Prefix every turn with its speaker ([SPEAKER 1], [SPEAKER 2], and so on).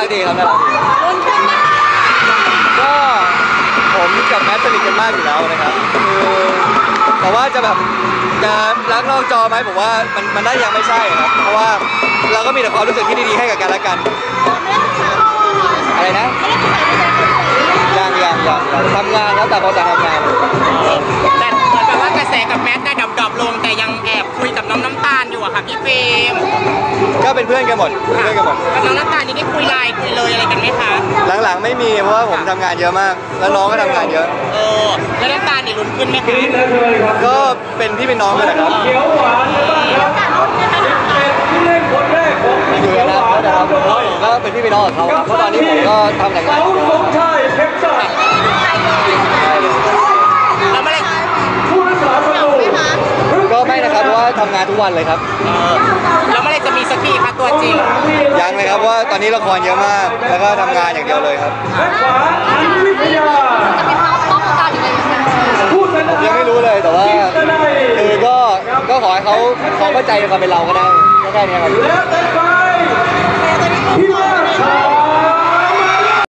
[SPEAKER 1] ดีครับน่ารักดีก็ผมกับแมทสนิทกันมากอยู่แล้วนะครับคือแต่ว่าจะแบบจะรักนอกจอไหมผมว่ามันได้ยังไม่ใช่ครับเพราะว่าเราก็มีแต่ความรู้สึกที่ดีๆให้กับกันและกันอะไรนะยังทำงานแล้วแต่พอจะทำงาน
[SPEAKER 2] แต่เหมือนแบบว่ากระแสกับแมทได้ดรอปลงแต่ยังแอบคุยกับน้องน้ำตาลอยู่อะค่ะพี่เฟรม
[SPEAKER 1] ก็เป็นเพื่อนกันหมด
[SPEAKER 2] กับน้องน้ำตาลนี่ได้คุยไลน์คุยเลยอะไรกันไหมคะ
[SPEAKER 1] หลังๆไม่มีเพราะว่าผมทำงานเยอะมากแล้วน้องก็ทำงานเยอะ
[SPEAKER 2] แล้วน้ำตาลนี่ลุ้นขึ้นไหมคะ
[SPEAKER 1] ก็เป็นพี่เป็นน้องกันนะครับอยู่กันนะนะครับก็เป็นพี่เป็นน้องกับเขาครับเพราะตอนนี้ผมก็ทำแต่งงาน
[SPEAKER 2] แล้วเมื่อไร
[SPEAKER 1] ก็ไม่นะครับเพราะว่าทำงานทุกวันเลยครับ
[SPEAKER 2] แล้วเมื่อไรจะมีสักทีคะตัวจริง
[SPEAKER 1] ยังเลยครับว่าตอนนี้ละครเยอะมากแล้วก็ทำงานอย่างเดียวเลยครับผมยังไม่รู้เลยแต่ว่าคือก็ขอให้เขาเข้าใจในความเป็นเราก็ได้แค่นี้ครับ